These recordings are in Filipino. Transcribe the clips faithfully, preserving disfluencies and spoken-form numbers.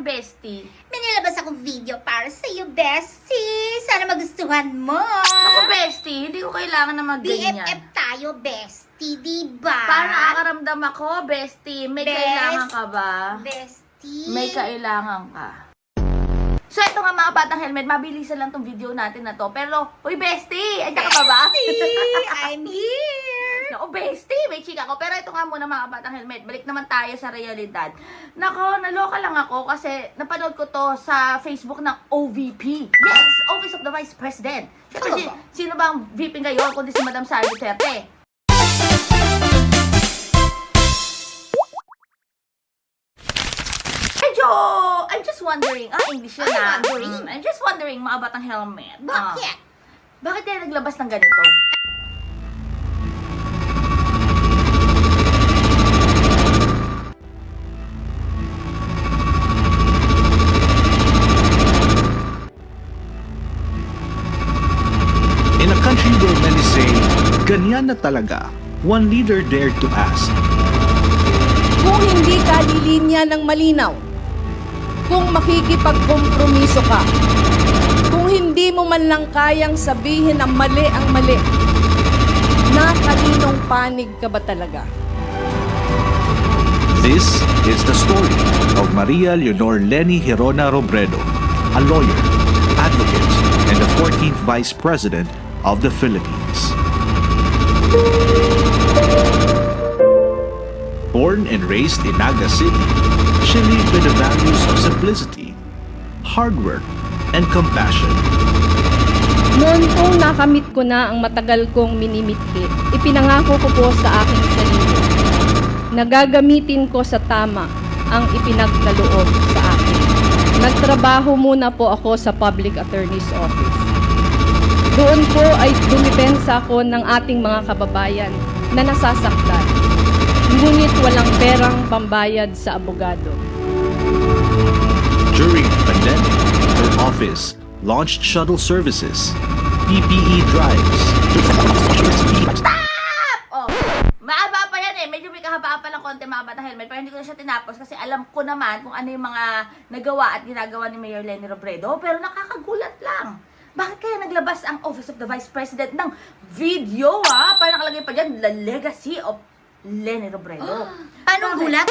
bestie? May nilabas akong video para sa iyo, bestie. Sana magustuhan mo. Ako, bestie, hindi ko kailangan na B F magganyan. F tayo, bestie, diba? Paano nakakaramdam ako, bestie? May Best. kailangan ka ba? Bestie. May kailangan ka. So, ito nga mga batang helmet, mabilisan lang tong video natin na to. Pero, uy, bestie! Andiyan ka pa ba? Bestie, I'm here. Naku, bestie! May chika ko. Pero ito nga muna mga batang helmet, balik naman tayo sa realidad. Nako, naloka lang ako kasi napanood ko to sa Facebook ng O V P. Yes! Office of the Vice President. Siyempre, si, sino ba ang V P ngayon kundi si Madam Sara Duterte? Medyo, I'm just wondering, ah, English yun I'm ah. wondering. Mm, I'm just wondering, mga batang helmet. Bakit? Ah, bakit kaya naglabas ng ganito? In a country where many say, ganyan na talaga, one leader dared to ask, Kung hindi ka lilinya ng malinaw, kung makikipagkompromiso ka, kung hindi mo man lang kayang sabihin ang mali ang mali, nakaninong panig ka ba talaga? This is the story of Maria Leonor Leni Hirona Robredo, a lawyer, advocate, and the fourteenth Vice President of the Philippines. Born and raised in Naga City, she lived by the values of simplicity, hard work, and compassion. Noon pong nakamit ko na ang matagal kong minimithi, ipinangako ko po sa aking sarili na gagamitin ko sa tama ang ipinagkaloob sa akin. Nagtrabaho muna po ako sa Public Attorney's Office. Doon po ay dumipensa ako ng ating mga kababayan na nasasaktan, ngunit walang perang pambayad sa abogado. During the pandemic, her office launched shuttle services, P P E drives, Oh, maaba pa yan eh. Medyo may kahaba pa lang konti mga batang helmet. Pero hindi ko na siya tinapos kasi alam ko naman kung ano yung mga nagawa at ginagawa ni Mayor Leni Robredo. Pero nakakagulat lang. Bakit kaya naglabas ang Office of the Vice President ng video ha? Parang nakalagay pa dyan, The Legacy of Leni Robredo. Paano Bakit? gulat?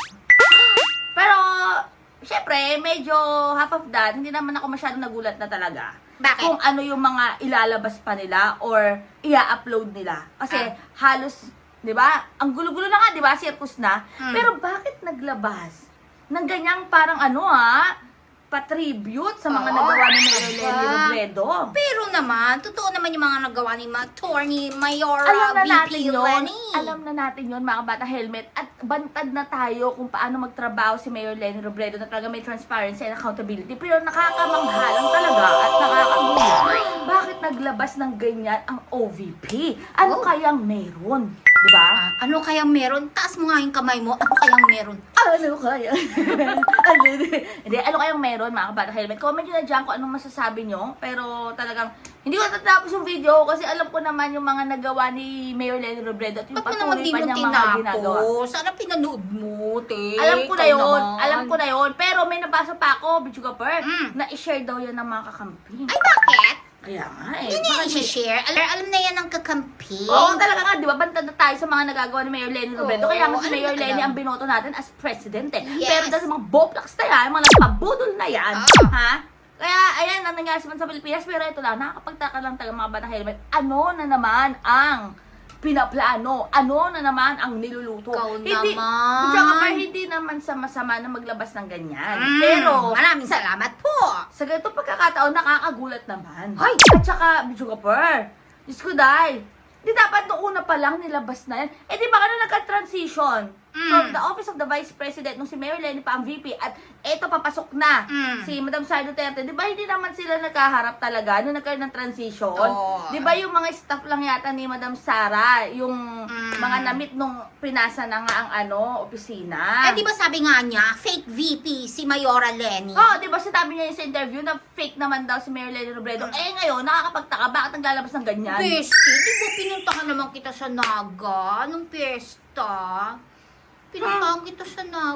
Pero, syempre, medyo half of that, hindi naman ako masyadong nagulat na talaga. Bakit? Kung ano yung mga ilalabas pa nila or ia-upload nila. Kasi Ah. halos, di ba, ang gulo-gulo na nga, di ba, circus na. Hmm. Pero bakit naglabas ng ganyang parang ano ha, pa-tribute sa mga Oo, nagawa ni Mayor Leni aba. Robredo? Pero naman, totoo naman yung mga nagawa ni Attorney Mayor Alam na V P natin yun. Leni. Alam na natin yun, mga bata helmet. At bantad na tayo kung paano magtrabaho si Mayor Leni Robredo na talaga may transparency and accountability. Pero nakakamangha lang talaga at nakakagulat. Bakit naglabas ng ganyan ang O V P? Ano Oh. kayang meron? Diba? Ah, ano kayang meron? Taas mo nga yung kamay mo. Ano kayang meron? Ano kaya? ano, hindi, ano kayang meron mga kabata helmet? Comment nyo na dyan kung anong masasabi nyo. Pero talagang, hindi ko tatapos yung video kasi alam ko naman yung mga nagawa ni Mayor Leni Robredo at yung Ba't mo naman patuloy di pa mo niyang mga ginagawa. tinapos? Sana pinanood mo, te. Alam ko na Ikaw yun, naman. alam ko na yun. Pero may nabasa pa ako, Bichuga Per, Mm. na i-share daw yan ng mga kakampi. Ay, bakit? Kaya nga eh. Hindi niya Bakit may- i-share. Alam, alam na yan ang kakampi. Oo, talaga nga, di ba? Bantad na tayo sa mga nagagawa ni Mayor Leni Robredo. Oo, Kaya nga si alam Mayor na Leni alam. ang binoto natin as president eh. Yes. Pero dahil sa mga boplax na yan, mga nagpabudol na yan, Ah. ha? Kaya, ayan, ang nangyari sa Pilipinas. Pero ito lang, nakakapagtaka lang tayo mga batang helmet. Ano na naman ang pinaplano? Ano na naman ang niluluto? Ikaw hindi, naman. Tsaka pa, hindi naman sa masama na maglabas ng ganyan. Mm, Pero, maraming sa, salamat po. sa ganitong pagkakataon, nakakagulat naman. Ay! At saka, Bichuga Per, Diyos ko dahil, di dapat noong una pa lang nilabas na yan. Eh di ba ano nagka-transition? Mm. From the Office of the Vice President, nung si Mayor Leni pa ang V P, at eto papasok na Mm. si Madam Sara Duterte. Di ba hindi naman sila nagkaharap talaga nung nagkaroon ng transition? Oo. Di ba yung mga staff lang yata ni Madam Sara, yung Mm. mga namit nung pinasa na nga ang ano, opisina? Eh, di ba sabi nga niya, fake V P si Mayora Leni? Oo, di ba sinabi niya yun sa interview na fake naman daw si Mayor Leni Robredo. Eh ngayon, nakakapagtaka, bakit naglalabas ng ganyan? Bestie, di ba pinuntahan naman kita sa Naga nung piyesta? Pinuntahan kita sa Naga.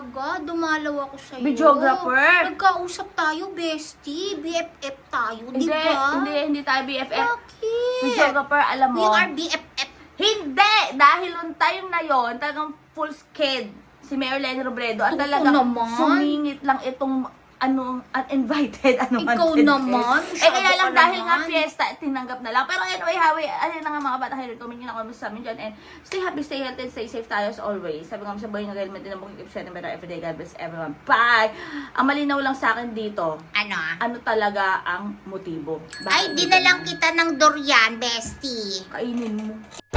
talaga. Dumalaw ako sa'yo. Videographer. Nagkausap tayo, bestie. B F F tayo, di Hindi, ba? hindi, hindi tayo B F F. Bakit? Videographer, alam We mo. are B F F. Hindi! Dahil nung time na yon talagang full skid si Mayor Lenny Robredo at Oo talagang naman. sumingit lang itong ano, uninvited, ano man. Ikaw din. naman, Eh kaya masyado lang ka dahil nga naman. fiesta, tinanggap na lang. Pero anyway, Hawi, ayun na nga mga bata, hirin, comment nyo na kung sa amin dyan. And stay happy, stay healthy, and stay safe tayo as always. Sabi nga sa buhay ng helmet din ang bukong keep shining better everyday. God bless everyone. Bye! Ang malinaw lang sa akin dito, Ano ah? ano talaga ang motibo. Ay, Bakit di ganun? na lang kita ng durian, bestie. Kainin mo.